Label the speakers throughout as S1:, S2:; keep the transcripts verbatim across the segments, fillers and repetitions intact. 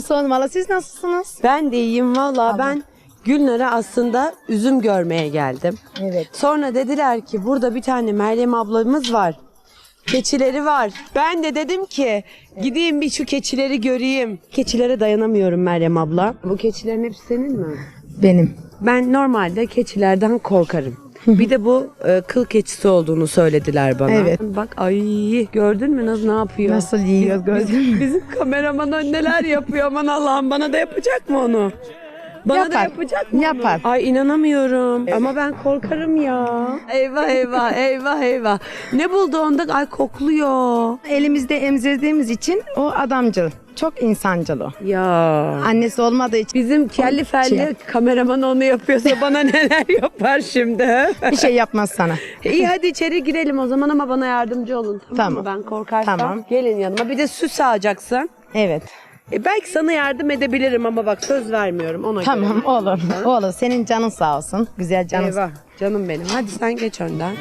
S1: sormalı. Siz nasılsınız?
S2: Ben de iyiyim valla. Ben Gülnar'a aslında üzüm görmeye geldim.
S1: Evet.
S2: Sonra dediler ki burada bir tane Meryem ablamız var. Keçileri var. Ben de dedim ki gideyim bir şu keçileri göreyim. Keçilere dayanamıyorum Meryem abla. Bu keçilerin hepsi senin mi?
S1: Benim.
S2: Ben normalde keçilerden korkarım. Bir de bu e, kıl keçisi olduğunu söylediler bana.
S1: Evet.
S2: Bak ay gördün mü nasıl ne yapıyor?
S1: Nasıl yiyor gördün mü?
S2: Bizim kameraman neler yapıyor aman Allah'ım, bana da yapacak mı onu? Bana
S1: Yapar.
S2: da yapacak mı
S1: Yapar.
S2: onu? Ay inanamıyorum. Ama ben korkarım ya. Eyvah eyvah eyvah eyvah. Ne buldu onda? Ay kokluyor.
S1: Elimizde emzirdiğimiz için o adamcıl. Çok insancıl o.
S2: Ya.
S1: Annesi olmadığı için
S2: Bizim kelli felli kameraman onu yapıyorsa bana neler yapar şimdi?
S1: bir şey yapmaz sana.
S2: İyi hadi içeri girelim o zaman ama bana yardımcı olun. Tamam,
S1: Tamam.
S2: mı? Ben korkarsam
S1: Tamam.
S2: gelin yanıma. Bir de süs sağacaksın.
S1: Evet.
S2: E belki sana yardım edebilirim ama bak söz vermiyorum ona
S1: Tamam
S2: göre.
S1: olur. Olur. Senin canın sağ olsun. Güzel canın.
S2: Eyvah canım benim. Hadi sen geç önden.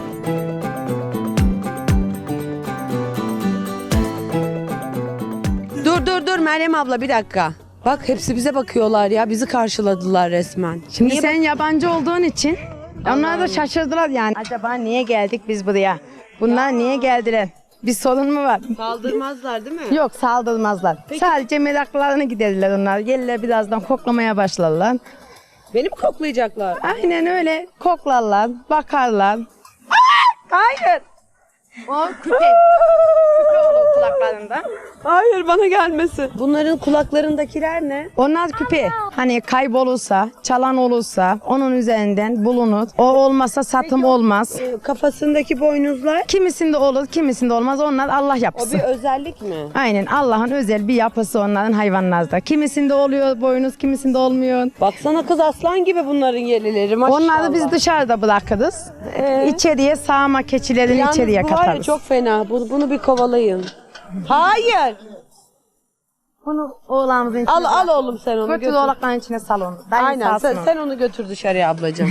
S2: Dur dur dur Meryem abla bir dakika. Bak hepsi bize bakıyorlar ya. Bizi karşıladılar resmen.
S1: Şimdi
S2: Niye
S1: sen yabancı olduğun için onlar da şaşırdılar yani. Acaba niye geldik biz buraya? Bunlar niye geldiler? Bir sorun mu var?
S2: saldırmazlar değil mi?
S1: Yok saldırmazlar. Sadece meraklarını giderirler onlar. Gelirler birazdan koklamaya başlarlar.
S2: Beni mi koklayacaklar?
S1: Aynen öyle koklarlar, bakarlar. Hayır. O küpe. Küpe olur kulaklarında.
S2: Hayır bana gelmesin. Bunların kulaklarındakiler ne?
S1: Onlar küpe. Hani kaybolursa, çalan olursa onun üzerinden bulunur. O olmasa satım olmaz.
S2: E, Kafasındaki boynuzlar.
S1: Kimisinde olur, kimisinde olmaz. Onlar Allah
S2: O
S1: yapısı.
S2: bir özellik mi?
S1: Aynen Allah'ın özel bir yapısı onların hayvanlarda. Kimisinde oluyor boynuz, kimisinde olmuyor.
S2: Baksana kız aslan gibi bunların yelileri maşallah.
S1: Onları biz dışarıda bırakırız.
S2: Ee?
S1: İçeriye sağma keçilerini
S2: Yalnız
S1: içeriye
S2: bu var ya
S1: katarız.
S2: çok fena. Bunu, bunu bir kovalayın. Hayır.
S1: Bunu oğlanımızın içine
S2: Al al oğlum sen onu
S1: Götür
S2: götür.
S1: oğlakların içine sal onu. Dayın
S2: Aynen
S1: salsın
S2: sen,
S1: onu.
S2: sen onu götür dışarıya ablacığım.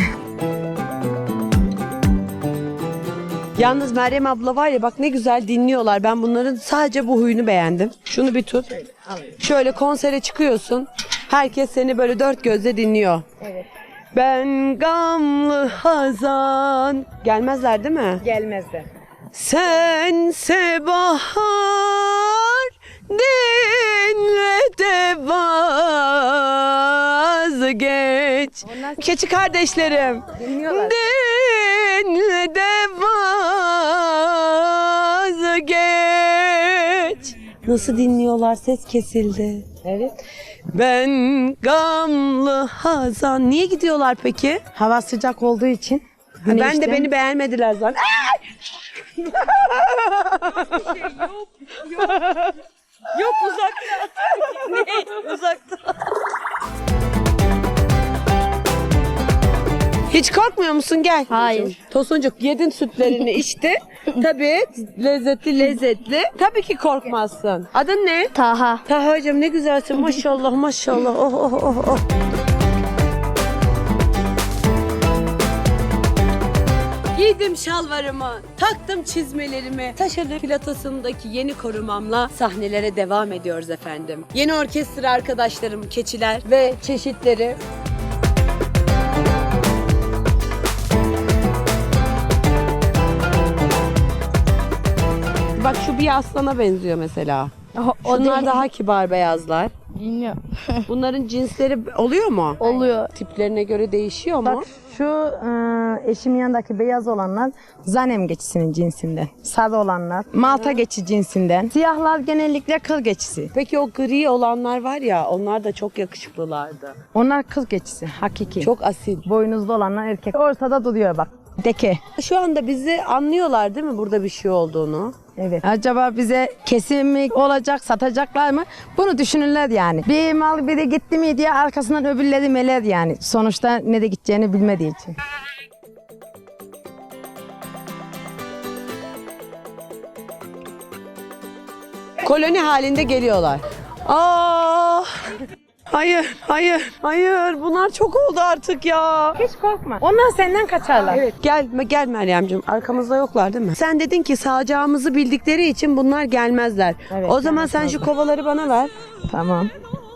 S2: Yalnız Meryem abla var ya bak ne güzel dinliyorlar. Ben bunların sadece bu huyunu beğendim. Şunu bir tut. Şöyle konsere çıkıyorsun. Herkes seni böyle dört gözle dinliyor.
S1: Evet.
S2: Ben gamlı hazan. Gelmezler değil mi?
S1: Gelmezdi.
S2: Sense bahar dinle de vazgeç.
S1: Onlar-
S2: Keçi kardeşlerim.
S1: Dinliyorlar.
S2: Dinle de vazgeç. Nasıl dinliyorlar? Ses kesildi.
S1: Evet.
S2: Ben gamlı hazan. Niye gidiyorlar peki?
S1: Hava sıcak olduğu için.
S2: Ben de
S1: güneşten-
S2: beni beğenmediler zaten. Yok uzakta. Ne? Uzakta. Hiç korkmuyor musun? Gel.
S3: Hayır.
S2: Tosuncuk yedin sütlerini içti. Tabii lezzetli lezzetli. Tabii ki korkmazsın. Adın ne?
S3: Taha.
S2: Taha'cığım ne güzelsin maşallah maşallah. Oh oh oh oh. Giydim şalvarımı, taktım çizmelerimi, Taşalı Platosu'ndaki yeni korumamla sahnelere devam ediyoruz efendim. Yeni orkestra arkadaşlarım, keçiler ve çeşitleri. Bak şu bir aslana benziyor mesela.
S3: O
S2: Şunlar
S3: değil.
S2: daha kibar beyazlar.
S3: Bilmiyorum.
S2: Bunların cinsleri oluyor mu?
S3: Oluyor.
S2: Tiplerine göre değişiyor mu?
S1: Bak şu e, eşimin yanındaki beyaz olanlar zanem geçisinin cinsinden. Sarı olanlar Malta geçi cinsinden. Siyahlar genellikle kıl geçisi.
S2: Peki o gri olanlar var ya, onlar da çok yakışıklılardı.
S1: Onlar kıl geçisi hakiki.
S2: Çok asil.
S1: Boynuzlu olanlar erkek. Ortada duruyor bak. Deke.
S2: Şu anda bizi anlıyorlar değil mi burada bir şey olduğunu?
S1: Evet. Acaba bize kesim mi olacak, satacaklar mı? Bunu düşünürler yani. Bir mal biri gitti mi diye arkasından öbürleri meler yani. Sonuçta ne de gideceğini bilmediği için.
S2: Koloni halinde geliyorlar. Aa! Hayır, hayır, hayır. Bunlar çok oldu artık ya.
S1: Hiç korkma. Onlar senden kaçarlar.
S2: Evet, gel, gel Meryem'ciğim. Arkamızda yoklar değil mi? Sen dedin ki sağacağımızı bildikleri için bunlar gelmezler.
S1: Evet,
S2: o zaman sen şu
S1: gelmezler.
S2: kovaları bana ver.
S1: Tamam.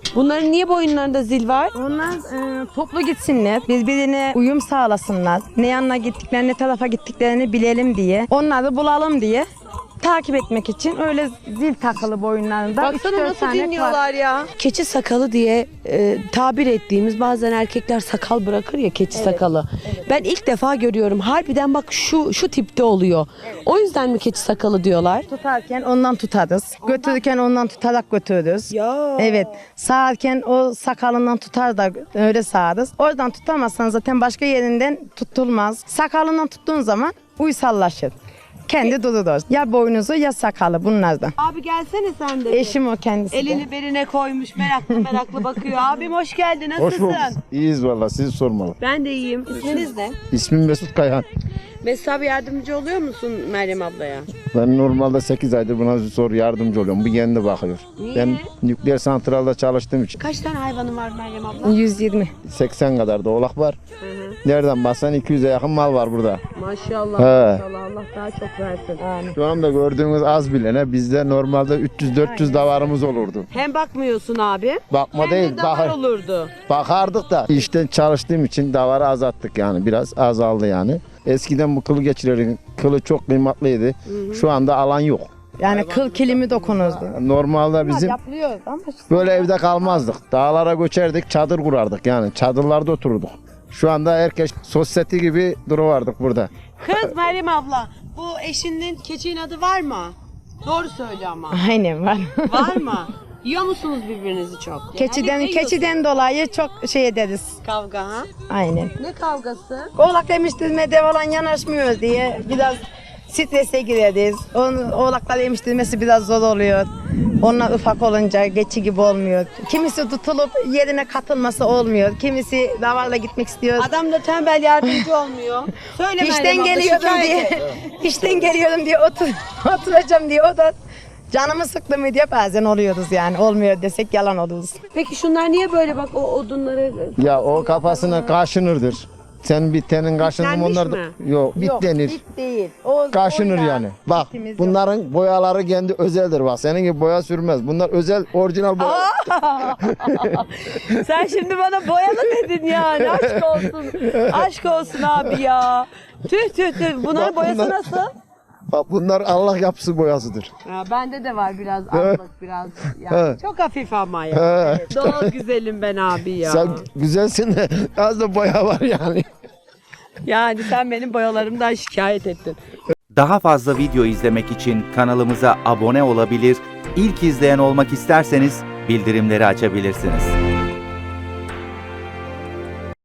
S2: Bunların niye boyunlarında zil var?
S1: Onlar e, toplu gitsinler, birbirine uyum sağlasınlar. Ne yanına gittiklerini, ne tarafa gittiklerini bilelim diye. Onları bulalım diye takip etmek için öyle zil takılı boyunlarında. üç
S2: Baksana
S1: dört
S2: nasıl
S1: tane
S2: dinliyorlar ya. Keçi sakalı diye e, tabir ettiğimiz bazen erkekler sakal bırakır ya keçi sakalı. Ben ilk defa görüyorum. Harbiden bak şu şu tipte oluyor. O yüzden mi keçi sakalı diyorlar?
S1: Tutarken ondan tutarız. Götürürken ondan tutarak götürürüz.
S2: Ya.
S1: Evet. Sağarken o sakalından tutar da öyle sağarız. Oradan tutamazsan zaten başka yerinden tutulmaz. Sakalından tuttuğun zaman uysallaşır. Kendi durur. Ya boynuzu ya sakalı bunlardan.
S2: Abi gelsene sen de.
S1: Eşim o kendisi de.
S2: Elini beline koymuş meraklı meraklı bakıyor. Abim hoş geldin,
S3: Hoş
S2: nasılsın?
S3: bulduk. İyiyiz valla, sizi sormalı.
S2: Ben de iyiyim. İsminiz ne?
S3: İsmim Mesut Kayhan.
S2: Mesut abi yardımcı oluyor musun Meryem ablaya?
S3: Ben normalde sekiz aydır buna zor yardımcı oluyorum. Bu kendi bakıyor.
S2: Niye?
S3: Ben nükleer santralda çalıştığım için
S2: Kaç tane hayvanın var Meryem abla?
S1: yüz yirmi.
S3: seksen kadar da oğlak var.
S2: Hı hı.
S3: Nereden baksan iki yüze yakın mal var burada.
S2: Maşallah,
S3: He.
S2: maşallah. Allah daha çok versin. Amin.
S3: Şu anda gördüğünüz az bilene bizde normalde üç yüz dört yüz davarımız olurdu.
S2: Hem bakmıyorsun abi.
S3: Bakma
S2: hem
S3: değil,
S2: de davar
S3: bakar,
S2: olurdu.
S3: bakardık da işten çalıştığım için davarı azalttık yani, biraz azaldı yani. Eskiden bu kılı geçirerin kılı çok kıymatlıydı. Şu anda alan yok.
S1: Yani kıl kilimi dokunurdu.
S3: Normalde bizim
S1: Yapılıyordu ama
S3: böyle evde kalmazdık. Dağlara göçerdik, çadır kurardık yani. Çadırlarda otururduk. Şu anda herkes sosyete gibi duruvardık burada.
S2: Kız Meryem abla, bu eşinin keçinin adı var mı? Doğru söyle ama.
S1: aynen var.
S2: Var mı? Yiyor musunuz birbirinizi çok?
S1: keçiden
S2: Genellikle
S1: keçiden dolayı çok şey ederiz.
S2: yiyorsunuz. Kavga ha?
S1: Aynen.
S2: Ne kavgası?
S1: Oğlak demiştirmede falan yanaşmıyor diye biraz strese gireriz. Onun oğlaklar yemiştirmesi biraz zor oluyor. Onlar ufak olunca geçi gibi olmuyor. Kimisi tutulup yerine katılması olmuyor. Kimisi davarla gitmek istiyor.
S2: Adam da tembel yardımcı olmuyor. Söyle Meryem
S1: İşten
S2: abla,
S1: geliyorum
S2: şikayet
S1: diye.
S2: et.
S1: işten geliyorum diye otur, oturacağım diye o da canımı sıktı mı diye bazen oluyoruz yani. Olmuyor desek yalan oluruz.
S2: Peki şunlar niye böyle bak o odunları...
S3: Ya o kafasına kaşınırdır. Sen bitenin kaşındı mı
S2: Bitlenmiş
S3: onlar da...
S2: mi?
S3: Yok, bit denir.
S1: bit değil. O,
S3: Kaşınır
S1: o ya.
S3: yani. Bak
S1: Bitimiz yok.
S3: bunların boyaları kendi özeldir bak. Senin gibi boya sürmez. Bunlar özel, orijinal boya.
S2: Sen şimdi bana boyalı dedin yani. Aşk olsun. Aşk olsun abi ya. Tüh tüh tüh. Bunların
S3: Bak
S2: boyası
S3: bunlar-
S2: nasıl?
S3: Bak bunlar Allah yapısı boyasıdır.
S2: Ya bende de var biraz azlık biraz. Yani
S3: Evet.
S2: çok hafif ama ya.
S3: He.
S2: Doğal güzelim ben abi ya.
S3: Sen güzelsin de az da boya var yani.
S2: Yani sen benim boyalarımdan şikayet ettin.
S4: Daha fazla video izlemek için kanalımıza abone olabilir, ilk izleyen olmak isterseniz bildirimleri açabilirsiniz.